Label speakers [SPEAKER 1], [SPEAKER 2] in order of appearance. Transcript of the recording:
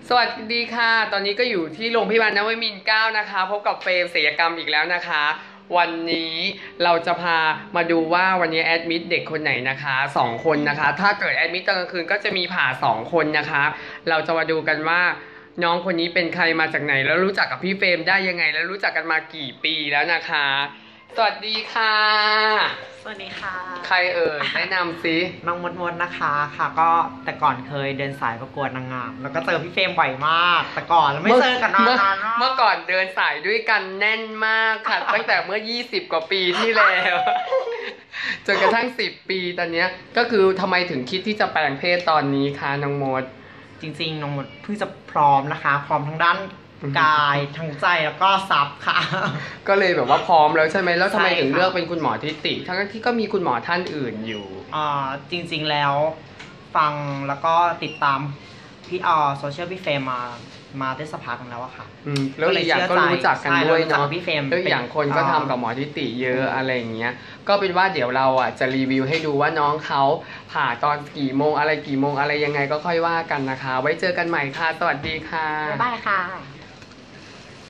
[SPEAKER 1] สวัสดีค่ะตอนนี้ก็อยู่ที่โรงพยาบาลนวมินทร์9นะคะพบกับเฟรมศิลปกรรมอีกแล้วนะคะวันนี้เราจะพามาดูว่าวันนี้แอดมิดเด็กคนไหนนะคะ2คนนะคะถ้าเกิดแอดมิดตอนกลางคืนก็จะมีผ่า2คนนะคะเราจะมาดูกันว่าน้องคนนี้เป็นใครมาจากไหนแล้วรู้จักกับพี่เฟรมได้ยังไงแล้วรู้จักกันมากี่ปีแล้วนะคะสวัสดีค่ะ
[SPEAKER 2] สวัสดีค่ะ
[SPEAKER 1] ใครเอ่ยแนะนำซิ
[SPEAKER 2] น้องมดนะคะค่ะก็แต่ก่อนเคยเดินสายประกวดนางงามแล้วก็เจอพี่เฟรมบ่อยมากแต่ก่อนแล้วไม่เจอกันนาน
[SPEAKER 1] เมื่อก่อนเดินสายด้วยกันแน่นมากค่ะตั้งแต่เมื่อ20กว่าปีที่แล้วจนกระทั่ง10ปีตอนนี้ก็คือทำไมถึงคิดที่จะแปลงเพศตอนนี้คะน้องมด
[SPEAKER 2] จริงๆน้องมดเพิ่งจะพร้อมนะคะพร้อมทั้งด้านกายทั้งใจแล้วก็ทรัพย์ค่ะ
[SPEAKER 1] ก็เลยแบบว่าพร้อมแล้วใช่ไหมแล้วทำไมถึงเลือกเป็นคุณหมอทิติทั้งที่ก็มีคุณหมอท่านอื่นอยู่
[SPEAKER 2] จริงๆแล้วฟังแล้วก็ติดตามพี่โซเชียลพี่เฟรมมาได้สักพักแล้วอะค่ะ
[SPEAKER 1] แล้วอีกอย่างก็รู้จักกันด้วยเนาะ
[SPEAKER 2] พี่เฟรม
[SPEAKER 1] แล้วอย่างคนก็ทำกับหมอทิติเยอะอะไรอย่างเงี้ยก็เป็นว่าเดี๋ยวเราอ่ะจะรีวิวให้ดูว่าน้องเขาผ่าตอนกี่โมงอะไรยังไงก็ค่อยว่ากันนะคะไว้เจอกันใหม่ค่ะสวัสดีค่ะ
[SPEAKER 2] บ๊ายบายค่ะ